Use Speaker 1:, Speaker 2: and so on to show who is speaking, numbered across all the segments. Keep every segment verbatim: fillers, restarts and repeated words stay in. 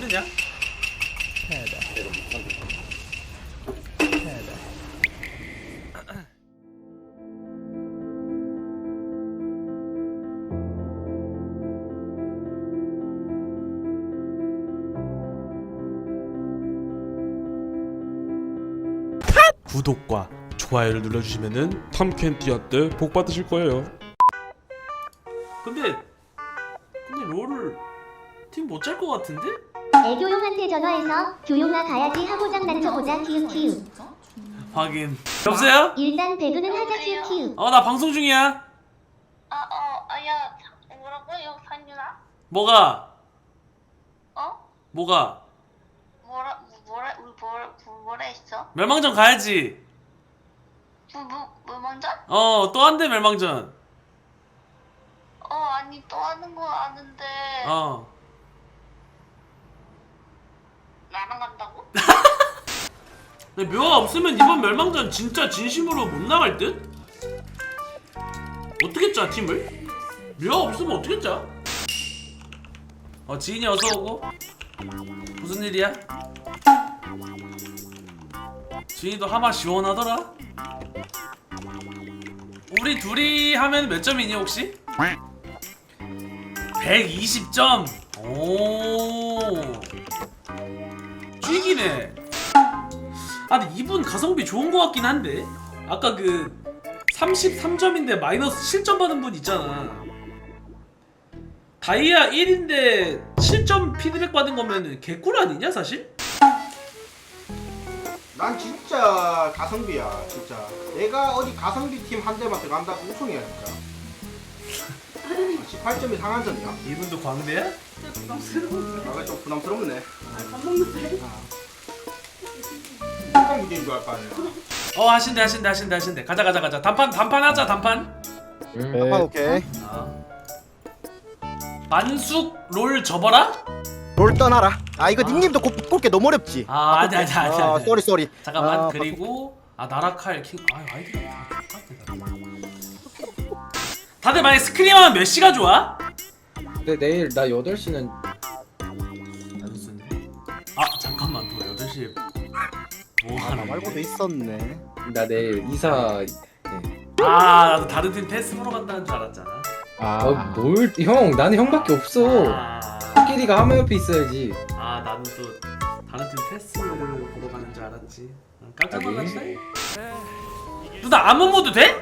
Speaker 1: 해주냐?
Speaker 2: 해야 돼. 해야 돼.
Speaker 1: 구독과 좋아요를 눌러주시면은 탐켄티한테 복 받으실 거예요. 근데 근데 롤을 팀 못 짤 것 같은데?
Speaker 3: 애교용한테 전화해서 교용아 가야지 하고 장난쳐보자 키읔 키읔.
Speaker 1: 확인. 여보세요?
Speaker 3: 일단 배그는 하자 키읔 키읔.
Speaker 1: 어 나 방송 중이야.
Speaker 4: 아, 어, 아, 야, 뭐라고요, 산유나?
Speaker 1: 뭐가?
Speaker 4: 어?
Speaker 1: 뭐가?
Speaker 4: 뭐라, 뭐라, 우리 뭐라, 뭐라 했어?
Speaker 1: 멸망전 가야지.
Speaker 4: 뭐, 뭐, 뭐 먼저?
Speaker 1: 어 또 한대 멸망전.
Speaker 4: 어, 아니, 또 하는 거 아는데,
Speaker 1: 어.
Speaker 4: 나랑 간다고?
Speaker 1: 근데 묘가 없으면 이번 멸망전 진짜 진심으로 못 나갈 듯? 어떻게 짜 팀을? 묘가 없으면 어떻게 짜? 어 지인이 어서 오고. 무슨 일이야? 지인이도 하마 시원하더라. 우리 둘이 하면 몇 점이니 혹시? 백이십 점. 오. 쥐기네. 아 근데 이분 가성비 좋은 거 같긴 한데. 아까 그 삼십삼 점인데 마이너스 칠 점 받은 분 있잖아. 다이아 일인데 칠 점 피드백 받은 거면은 개꿀 아니냐 사실?
Speaker 5: 난 진짜 가성비야 진짜. 내가 어디 가성비 팀 한 대만 들어간다고 우승이야 진짜. 십팔 점이 상한점이야.
Speaker 1: 이분도 광대야?
Speaker 5: 나가 좀 부담스럽네. 밥 먹는데? 한강 문제인 줄 알 거 아니야.
Speaker 1: 어 하신대 하신대 하신대 하신대. 가자 가자 가자. 단판 단판 하자 단판.
Speaker 2: 네.
Speaker 6: 아, 오케이.
Speaker 1: 아. 만숙 롤 접어라?
Speaker 6: 롤 떠나라. 아 이거 닉님도 곱, 곱게 너무 어렵지.
Speaker 1: 아 아니 아니 아니
Speaker 6: 아
Speaker 1: 아니.
Speaker 6: 쏘리 쏘리.
Speaker 1: 잠깐만.
Speaker 6: 아,
Speaker 1: 그리고 아 나라칼 킹. 아유 아이디가 다 똑같아. 다들 만약 스크림하면 몇 시가 좋아?
Speaker 2: 근데 내일 나 여덟 시는
Speaker 1: 안 쓰네. 아 잠깐만 너 여덟 시에 뭐
Speaker 6: 아, 나
Speaker 1: 하는
Speaker 6: 말고도
Speaker 1: 거야?
Speaker 6: 있었네.
Speaker 2: 나 내일 이사.
Speaker 1: 아 나도 다른 팀 패스 보러 간다는 줄 알았잖아.
Speaker 2: 아, 뭘? 형, 나는 형밖에 없어.
Speaker 1: 아,
Speaker 2: 끼리가 하마 옆에 있어야지.
Speaker 1: 아 나는 또 다른 팀 패스 보러 가는 줄 알았지. 깜짝 놀랐네. 누나 아무 모드 돼?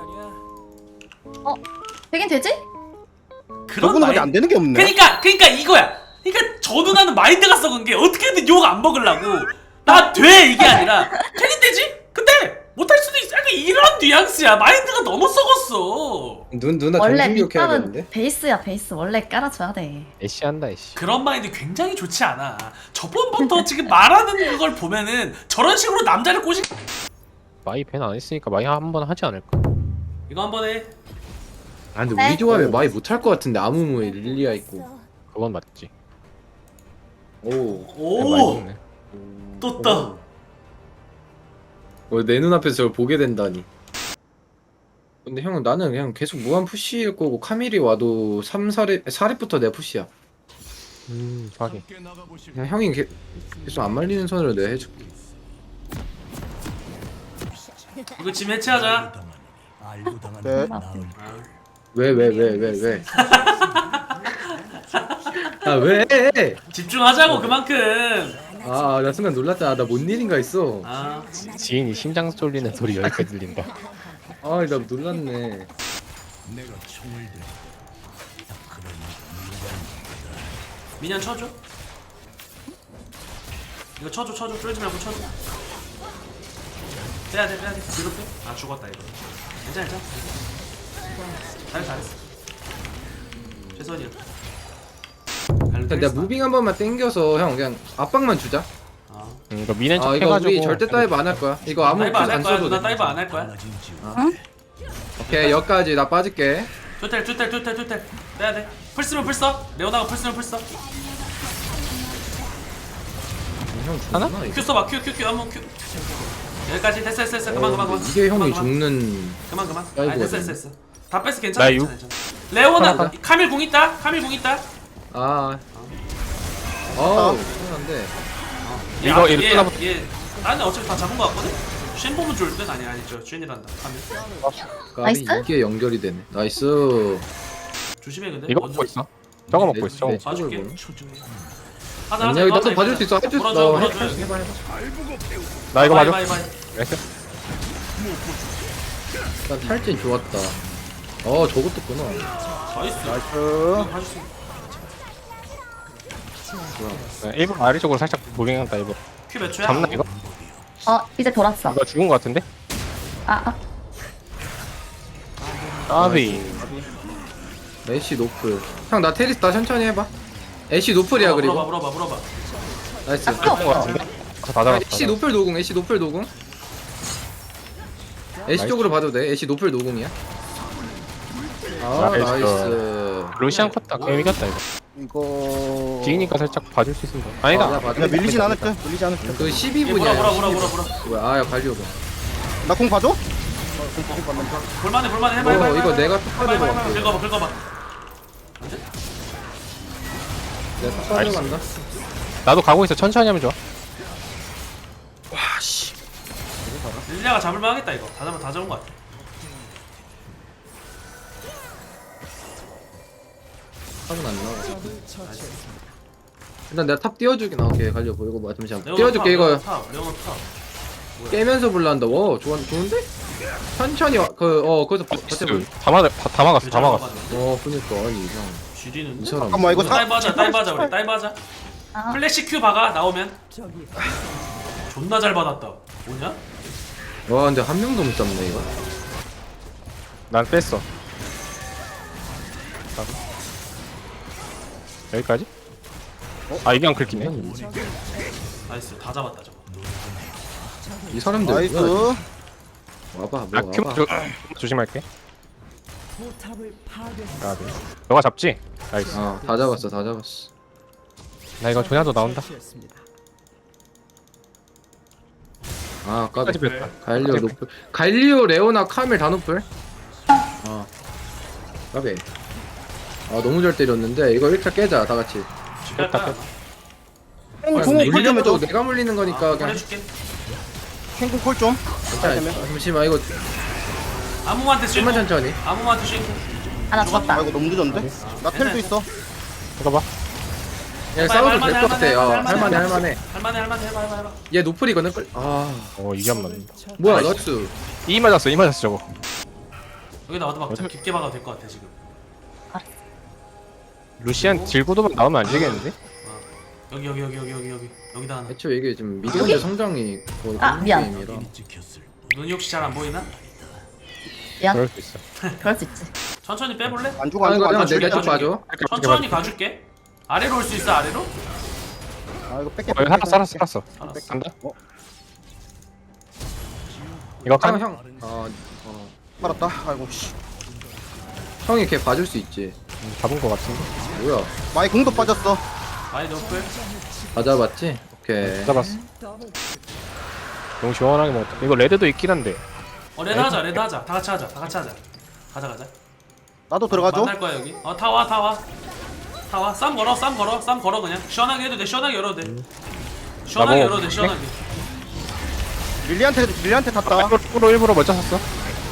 Speaker 7: 되긴 되지?
Speaker 1: 그런
Speaker 6: 저분은
Speaker 1: 마인-
Speaker 6: 안 되는 게 없네.
Speaker 1: 그러니까 그러니까 이거야. 그러니까 저 누나는 마인드가 썩은 게 어떻게든 욕 안 먹으려고 나 돼 이게 아니라 되긴 되지. 근데 못할 수도 있어. 약간 이런 뉘앙스야. 마인드가 너무 썩었어.
Speaker 2: 눈 누나
Speaker 7: 원래
Speaker 2: 정신교육 해야겠는데?
Speaker 7: 밑밥은 베이스야 베이스 원래 깔아줘야 돼.
Speaker 8: 애쉬한다 애쉬.
Speaker 1: 그런 마인드 굉장히 좋지 않아. 저번부터 지금 말하는 걸 보면은 저런 식으로 남자를 꼬시.
Speaker 8: 마이 밴 안 했으니까 마이 한번 하지 않을까?
Speaker 1: 이거 한번 해.
Speaker 2: 아 근데
Speaker 7: 네.
Speaker 2: 우리 조합에 많이 못할 것 같은데 아무무에 릴리아 있고.
Speaker 8: 그건 맞지.
Speaker 2: 오.
Speaker 1: 오,
Speaker 8: 많이 먹네.
Speaker 1: 떴다.
Speaker 2: 어, 내 눈앞에서 저걸 보게 된다니. 근데 형 나는 그냥 계속 무한 푸시일 거고 카밀이 와도 삼, 사 렙, 사 렙부터 내 푸시야.
Speaker 8: 음, 하긴.
Speaker 2: 그냥 형이 게, 계속 안 말리는 선으로 내가 해줄게.
Speaker 1: 이거 지금 해체하자.
Speaker 6: 네.
Speaker 2: 왜 왜 왜 왜 왜? 아 왜?
Speaker 1: 집중하자고 그만큼.
Speaker 2: 아 나 순간 놀랐다. 나 뭔 일인가 했어.
Speaker 1: 아,
Speaker 8: 지, 지인이 심장 쏠리는 소리 여기까지 들린다.
Speaker 2: 아 나 놀랐네.
Speaker 1: 미니언 쳐줘. 이거 쳐줘 쳐줘. 쫄지 말고 쳐줘. 빼야 돼 빼야 돼. 뒤로 빼. 아 죽었다 이거. 괜찮아 괜찮아. 잘했어 잘했어. 최선이야.
Speaker 2: 일단 내가 무빙 한 번만 땡겨서 형 그냥 압박만 주자.
Speaker 1: 아,
Speaker 8: 음, 이거 미는 척
Speaker 2: 아 이거
Speaker 8: 해가지고.
Speaker 2: 우리 절대 다이브 안 할 거야. 이거 아무
Speaker 1: 다이브 안
Speaker 2: 안
Speaker 1: 할 거야.
Speaker 2: 써도
Speaker 1: 누나
Speaker 2: 돼.
Speaker 1: 다이브 안 할 거야.
Speaker 2: 오케이 여기까지 나 빠질게.
Speaker 1: 투텔 투텔 투텔 투텔. 빼야 돼. 풀스면 풀써. 레오나가 풀스면 풀써.
Speaker 2: 형
Speaker 8: 하나?
Speaker 2: 죽나 이거?
Speaker 1: 큐 써봐. 큐 큐 큐 한번 큐. 여기까지 됐어 됐어 됐어. 그만
Speaker 2: 어,
Speaker 1: 그만 그만.
Speaker 2: 근데 이게 형이
Speaker 1: 그만, 그만.
Speaker 2: 죽는.
Speaker 1: 그만 그만.
Speaker 2: 아이고,
Speaker 1: 아니 됐어 됐어 됐어. 다 뺐어 괜찮아
Speaker 8: 나
Speaker 1: 괜찮아
Speaker 8: 육-
Speaker 1: 괜찮아. 레오나
Speaker 8: 하나,
Speaker 1: 카밀 공 있다. 카밀 공 있다.
Speaker 2: 아. 어. 한데
Speaker 1: 얘
Speaker 8: 이거
Speaker 1: 앞-
Speaker 8: 이거
Speaker 1: 얘,
Speaker 8: 끝나부-
Speaker 1: 얘 나는 어차피 다 잡은 거 같거든? 쉔 보면 좋을 듯? 아니 아니 저 쉔이란다 하면
Speaker 2: 까비
Speaker 7: 나이스?
Speaker 2: 이게 연결이 되네. 나이스.
Speaker 1: 조심해 근데
Speaker 8: 이거
Speaker 1: 먼저
Speaker 8: 먹고 있어. 저거 먹고 있어. 저거.
Speaker 2: 네.
Speaker 1: 봐줄게
Speaker 2: 저걸
Speaker 1: 하자
Speaker 2: 아니야
Speaker 1: 하자
Speaker 2: 이거
Speaker 1: 이거
Speaker 2: 나도
Speaker 1: 하자,
Speaker 2: 봐줄
Speaker 1: 이거
Speaker 2: 수 있어.
Speaker 1: 하자.
Speaker 2: 해줄 수
Speaker 1: 물어줘
Speaker 2: 있어.
Speaker 1: 물어줘
Speaker 2: 해- 해봐 해봐.
Speaker 8: 나 이거
Speaker 1: 바이,
Speaker 8: 맞아.
Speaker 1: 바이, 바이.
Speaker 8: 나이스.
Speaker 2: 난 탈진 좋았다. 어 저것도 있구나.
Speaker 1: 나이스
Speaker 6: 나이스.
Speaker 1: 이거 봐줄 수 있어.
Speaker 8: 네, 일부러 아래 쪽으로 살짝 무빙한다 일부러.
Speaker 1: 큐 몇 초야?
Speaker 8: 잡나 이거?
Speaker 7: 어 이제 돌았어.
Speaker 8: 이거 죽은 거 같은데?
Speaker 7: 아, 아.
Speaker 8: 까비.
Speaker 2: 애쉬 노플. 형 나 테리스 다 천천히 해봐. 애쉬 노플이야
Speaker 1: 물어봐,
Speaker 2: 그리고.
Speaker 1: 물어봐 물어봐 물어봐
Speaker 2: 나이스.
Speaker 7: 아,
Speaker 8: 죽은 거 같은데? 다
Speaker 2: 아,
Speaker 8: 잡았다.
Speaker 2: 애쉬 노플 노공. 애쉬 노플 노공. 애쉬
Speaker 8: 나이스.
Speaker 2: 쪽으로 봐도 돼. 애쉬 노플 노공이야. 아
Speaker 8: 나이스.
Speaker 2: 나이스.
Speaker 8: 루시안 컸다. 게임 이겼다 이거.
Speaker 6: 이거.
Speaker 8: 뒤니까 살짝 봐줄 수 있습니다.
Speaker 2: 아,
Speaker 8: 아니다.
Speaker 2: 나 봐줘.
Speaker 6: 야 밀리진 않을 듯. 밀리지 않을 듯.
Speaker 2: 그
Speaker 1: 얘
Speaker 2: 십이
Speaker 1: 물어
Speaker 2: 분이야.
Speaker 1: 물어 물어 물어 물어
Speaker 2: 뭐야? 아야 관리오고.
Speaker 6: 나공 봐줘?
Speaker 1: 볼만해 볼만해 해봐
Speaker 2: 어,
Speaker 1: 해봐 해봐
Speaker 2: 이거
Speaker 1: 해봐.
Speaker 2: 내가
Speaker 1: 해봐
Speaker 2: 톡
Speaker 1: 해봐
Speaker 2: 받으러
Speaker 1: 해봐
Speaker 2: 갈게.
Speaker 1: 긁어봐 긁어봐
Speaker 2: 내가 톡 받으러 간다.
Speaker 8: 나도 가고 있어. 천천히 하면 좋아.
Speaker 2: 와씨.
Speaker 1: 릴리아가 잡을만 하겠다 이거 다 잡은 다 잡은 거 같아
Speaker 2: 탑은 안 나와. 일단 내가 탑 띄워주긴 나오게 가려고 이거 뭐 잠시만
Speaker 1: 레오나
Speaker 2: 띄워줄게
Speaker 1: 탑,
Speaker 2: 이거
Speaker 1: 레오나 탑 레오나 탑
Speaker 2: 깨면서 불난다. 와 좋아 좋은데? 천천히 그어 거기서 버- 버텨볼.
Speaker 8: 다 막아 다 막았어. 다 막았어.
Speaker 2: 어 그니까 아니 이상
Speaker 1: 지리는데?
Speaker 2: 이 사람.
Speaker 6: 잠깐만 이거 사.
Speaker 1: 다이브 하자 다이브 하자 우리 다이브 하자
Speaker 7: 아.
Speaker 1: 플래시 큐 박아 나오면 존나 잘 받았다 뭐냐?
Speaker 2: 와 근데 한 명도 못 잡네 이거.
Speaker 8: 난 뺐어. 여기까지? 아 이게 안 긁히네.
Speaker 1: 나이스 다 잡았다 저거
Speaker 2: 이 사람들
Speaker 6: 나이스.
Speaker 2: 뭐야? 와봐
Speaker 8: 아
Speaker 2: 뭐
Speaker 8: 큐
Speaker 2: 와봐.
Speaker 8: 조, 조심할게. 아, 네. 너가 잡지? 나이스.
Speaker 2: 어다 잡았어 다 잡았어.
Speaker 8: 나 이거 조냐도 나온다.
Speaker 2: 아 까비.
Speaker 8: 끝까지 뺐다.
Speaker 2: 갈리오 노플. 갈리오 레오나 카밀 다 노플. 아 까비. 아 너무 잘 때렸는데 이거 일 차 깨자 다 같이.
Speaker 1: 뺐다 뺐다
Speaker 6: 콩
Speaker 2: 아,
Speaker 6: 콩
Speaker 2: 물리는
Speaker 6: 콜좀
Speaker 2: 것도
Speaker 6: 해줘.
Speaker 2: 내가 물리는 거니까 그냥
Speaker 1: 해줄게
Speaker 6: 콩콩 콜 좀.
Speaker 2: 괜찮아. 잠시만 이거
Speaker 1: 아무한테 쉔고
Speaker 2: 좀만 천천히.
Speaker 1: 아무한테 쉔고
Speaker 7: 아, 나
Speaker 6: 아
Speaker 7: 죽었다.
Speaker 6: 이거 너무 늦었는데? 나 텔도 있어.
Speaker 8: 이거 봐.
Speaker 2: 야
Speaker 1: 해봐,
Speaker 2: 싸워도
Speaker 1: 할만해,
Speaker 2: 될 것 같아. 어,
Speaker 1: 할만해,
Speaker 2: 할만해
Speaker 1: 할만해.
Speaker 2: 할만해.
Speaker 1: 할만해 할만해 해봐 해봐 해봐
Speaker 2: 얘 노플이거든. 끌- 아
Speaker 8: 어 이게 안 맞는다.
Speaker 2: 뭐야 나이스.
Speaker 8: 이 맞았어. 이 맞았어 저거.
Speaker 1: 여기다 와도 막 깊게 박아도 될 것 같아 지금
Speaker 8: 루시안 딜고도만 나오면 안 되겠는데?
Speaker 1: 여기 여기 여기 여기 여기 여기 여기다 하나
Speaker 2: 애초에 이게 지금 미디언의 성장이 거의
Speaker 7: 아,
Speaker 2: 끝난
Speaker 7: 미안.
Speaker 2: 게임이라.
Speaker 1: 눈이 혹시 잘 안 보이나?
Speaker 7: 미안.
Speaker 8: 그럴 수 있어.
Speaker 7: 그럴 수 있지.
Speaker 1: 천천히 빼볼래?
Speaker 6: 안 죽어
Speaker 2: 아
Speaker 6: 안
Speaker 2: 이거
Speaker 6: 죽어
Speaker 2: 형
Speaker 6: 안 죽어.
Speaker 2: 내쪽 봐줘.
Speaker 1: 천천히 가줄게 아래로 올 수 있어 아래로?
Speaker 6: 아 이거 뺄게.
Speaker 8: 어, 살았어 살았어 살았어.
Speaker 1: 알았어
Speaker 8: 간다.
Speaker 6: 어?
Speaker 8: 이거
Speaker 2: 형
Speaker 8: 칸.
Speaker 2: 형. 어, 어.
Speaker 6: 빨았다. 아이고 씨.
Speaker 2: 형이 걔 봐줄 수 있지.
Speaker 8: 음, 잡은 거 같은데.
Speaker 2: 뭐야?
Speaker 6: 마이 공도 빠졌어.
Speaker 1: 많이 높을
Speaker 2: 다 잡았지? 오케이.
Speaker 8: 잡았어. 너무 시원하게 먹었다. 이거 레드도 있긴 한데.
Speaker 1: 어 레드 하자 레드 하자 다 같이 하자 다 같이 하자 가자 가자
Speaker 6: 나도 들어가줘.
Speaker 1: 만날 거야 여기 어 다 와 다 와 다 와 쌈 걸어 쌈 걸어 쌈 걸어 그냥 시원하게 해도 돼 시원하게 열어도 돼 시원하게
Speaker 8: 나
Speaker 1: 열어도 돼 시원하게
Speaker 6: 릴리한테 릴리한테 탔다.
Speaker 8: 일부러 일부러 먼저 샀어.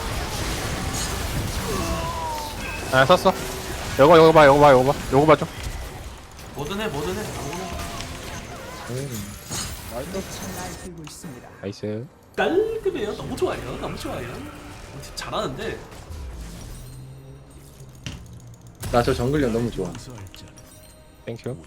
Speaker 8: 아 샀어. 요거 요거 봐 요거 봐 요거 봐 요거 봐줘.
Speaker 1: 뭐든 해 뭐든 해 아무거나
Speaker 8: 나이스.
Speaker 1: 깔끔해요 너무 좋아요 너무 좋아요 어, 진짜 잘하는데
Speaker 2: 나 저 정글력 너무 좋아.
Speaker 8: 땡큐.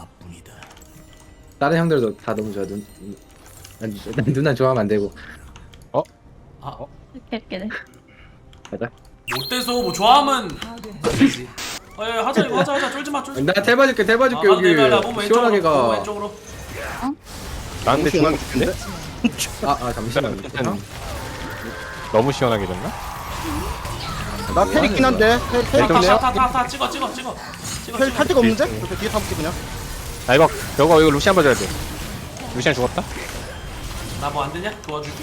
Speaker 2: 다른 형들도 다 너무 좋아. 눈, 난, 난 누나 좋아하면 안 되고.
Speaker 1: 아
Speaker 7: 이렇게 이렇게.
Speaker 2: 가자.
Speaker 1: 못돼서 뭐 좋아하면 되지 어예 하자 이거 하자 하자 쫄지마 쫄지마
Speaker 2: 나 태봐줄게 태봐줄게
Speaker 1: 아,
Speaker 2: 여기
Speaker 1: 내가 몸
Speaker 2: 시원하게
Speaker 1: 왼쪽으로 몸
Speaker 2: 가.
Speaker 1: 왼쪽으로
Speaker 8: 나한테
Speaker 6: 시원하게
Speaker 8: 죽은 데
Speaker 2: 아, 아 잠시만.
Speaker 8: 일단 너무 시원하게 됐나?
Speaker 6: 나 텔 있긴 한데. 텔 텔 있긴 해요.
Speaker 1: 타타타타 찍어 찍어 찍어 찍어
Speaker 6: 텔
Speaker 1: 찍어
Speaker 6: 탈 데가 없는데? 이렇게 뒤에 타볼게 그냥.
Speaker 8: 아 이거 이거 이거 루시안 봐줘야 돼. 루시안 죽었다?
Speaker 1: 나 뭐 안 되냐? 도와줄게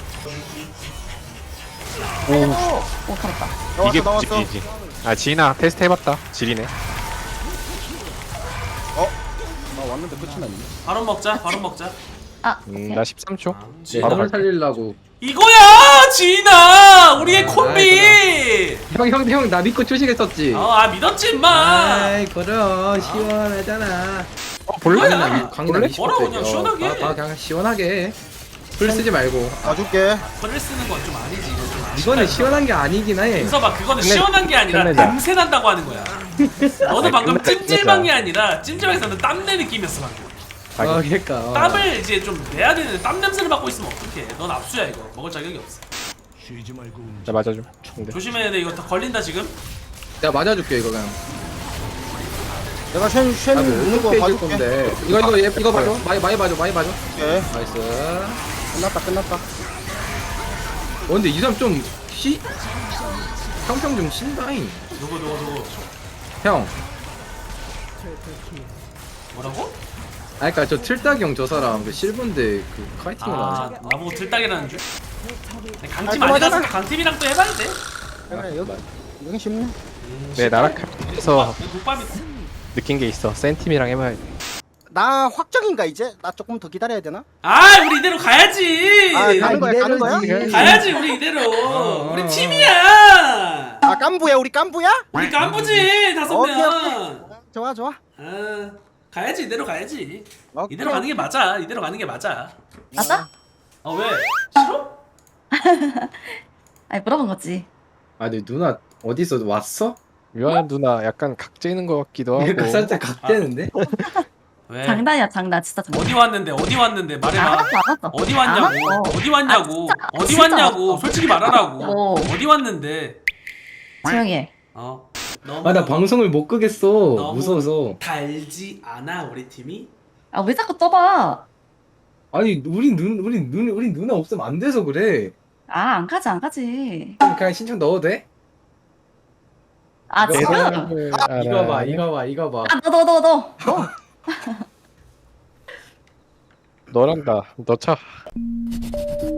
Speaker 7: 오, 살았다.
Speaker 8: 이게
Speaker 6: 나왔어 나왔어.
Speaker 8: 굿집이지. 아 지인아 테스트 해봤다. 지리네.
Speaker 6: 나 왔는데 끝이 났네.
Speaker 1: 바로 먹자 바로 먹자.
Speaker 7: 아,
Speaker 8: 음, 나 십삼 초.
Speaker 1: 아,
Speaker 2: 지
Speaker 8: 바로
Speaker 2: 을
Speaker 8: 갈게.
Speaker 2: 살리려고.
Speaker 1: 이거야 지인아 우리의
Speaker 2: 아,
Speaker 1: 콤비.
Speaker 2: 형형 나 믿고 초식했었지.
Speaker 1: 어아 믿었지 임마.
Speaker 2: 아이 그럼 시원하잖아.
Speaker 8: 어, 볼래?
Speaker 1: 뭐야?
Speaker 2: 강남 강남 이십
Speaker 1: 뭐라고
Speaker 2: 대.
Speaker 1: 그냥 시원하게.
Speaker 2: 어, 봐, 그냥 시원하게. 풀 쓰지 말고.
Speaker 6: 가줄게.
Speaker 1: 벌을 쓰는 건 좀 아니지 이거 좀 아쉽다.
Speaker 2: 이거는 시원한 게 아니긴 해.
Speaker 1: 윤서봐 그거는
Speaker 8: 끝내-
Speaker 1: 시원한 게 아니라
Speaker 8: 끝내자.
Speaker 1: 냄새 난다고 하는 거야. 너는
Speaker 8: 아니,
Speaker 1: 방금
Speaker 8: 끝내-
Speaker 1: 찜질방이
Speaker 8: 끝내자.
Speaker 1: 아니라 찜질방에서는 땀내 느낌이었어 방금.
Speaker 2: 어, 그러니까. 어.
Speaker 1: 땀을 이제 좀 내야 되는데 땀 냄새를 맡고 있으면 어떡해. 넌 압수야 이거. 먹을 자격이 없어.
Speaker 8: 나 맞아줘. 근데
Speaker 1: 조심해야 돼. 이거 다 걸린다 지금.
Speaker 2: 내가 맞아줄게 이거 그냥.
Speaker 6: 내가 쉔, 쉔
Speaker 2: 아,
Speaker 6: 무는 거
Speaker 2: 어떻게 해줄
Speaker 6: 봐줄게.
Speaker 2: 건데. 이거 이거 얘- 이거 봐줘. 많이 많이 봐줘. 많이 봐줘.
Speaker 6: 오케이.
Speaker 2: 나이스.
Speaker 6: 끝났다, 끝났다.
Speaker 2: 어 근데 이 사람 좀 쉬? 평평 좀 쉰다잉.
Speaker 1: 누구 누구 누구.
Speaker 2: 형.
Speaker 1: 뭐라고?
Speaker 2: 아 그니까 저 틀딱이 형 저 사람 그 실버인데 그 카이팅을
Speaker 1: 아
Speaker 2: 하지.
Speaker 1: 나보고 들딱이라는 줄. 강팀
Speaker 6: 아,
Speaker 1: 아니
Speaker 6: 그만하자.
Speaker 1: 갔으면 강팀이랑 또 해봐야 돼.
Speaker 6: 그래, 여기, 여기 쉽네.
Speaker 8: 내 나락에서
Speaker 1: 국밥이다.
Speaker 8: 느낀 게 있어. 센팀이랑 해봐야 돼.
Speaker 6: 나 확정인가, 이제? 나 조금 더 기다려야 되나?
Speaker 1: 아 우리 이대로 가야지.
Speaker 6: 아, 가는 거야, 가는 거야?
Speaker 2: 이대로지.
Speaker 1: 가야지 우리 이대로.
Speaker 2: 어,
Speaker 1: 우리
Speaker 2: 어.
Speaker 1: 팀이야.
Speaker 6: 아, 깐부야, 우리 깐부야?
Speaker 1: 우리 깐부지 다섯
Speaker 6: 오케이,
Speaker 1: 명.
Speaker 6: 좋아, 좋아.
Speaker 1: 아 가야지 이대로 가야지.
Speaker 6: 오케이.
Speaker 1: 이대로 가는 게 맞아. 이대로 가는 게 맞아.
Speaker 7: 맞아?
Speaker 1: 어 왜? 싫어?
Speaker 7: 아니, 물어본 거지.
Speaker 2: 아 근데 누나 어디서 왔어?
Speaker 8: 유한 누나 약간 각재는 것 같기도 하고.
Speaker 2: 그러니까 살짝 각대는데?
Speaker 1: 왜?
Speaker 7: 장난이야, 장난. 진짜 장난.
Speaker 1: 어디 왔는데 어디 왔는데 말해봐.
Speaker 7: 알았어, 알았어.
Speaker 1: 어디 왔냐고.
Speaker 7: 알았어.
Speaker 1: 어디 왔냐고.
Speaker 7: 아, 진짜,
Speaker 1: 어디
Speaker 7: 진짜
Speaker 1: 왔냐고.
Speaker 7: 알았어.
Speaker 1: 솔직히 말하라고.
Speaker 7: 어.
Speaker 1: 어디 왔는데.
Speaker 7: 조용히 해.
Speaker 1: 어. 너무
Speaker 2: 아 나 방송을 못 끄겠어.
Speaker 1: 너무-
Speaker 2: 무서워서.
Speaker 1: 달지 않아 우리 팀이?
Speaker 7: 아, 왜 자꾸 떠봐?
Speaker 2: 아니 우리 눈 우리 눈 우리 누나 없으면 안 돼서 그래.
Speaker 7: 아, 안 가지, 안 가지.
Speaker 2: 그럼 그냥 신청 넣어도 돼?
Speaker 7: 아,
Speaker 2: 이거
Speaker 7: 지금?
Speaker 2: 봐.
Speaker 8: 네.
Speaker 2: 이거 봐 이거 봐 이거 봐.
Speaker 7: 아, 너, 너, 너, 너. 너.
Speaker 8: 너란다. 너 차.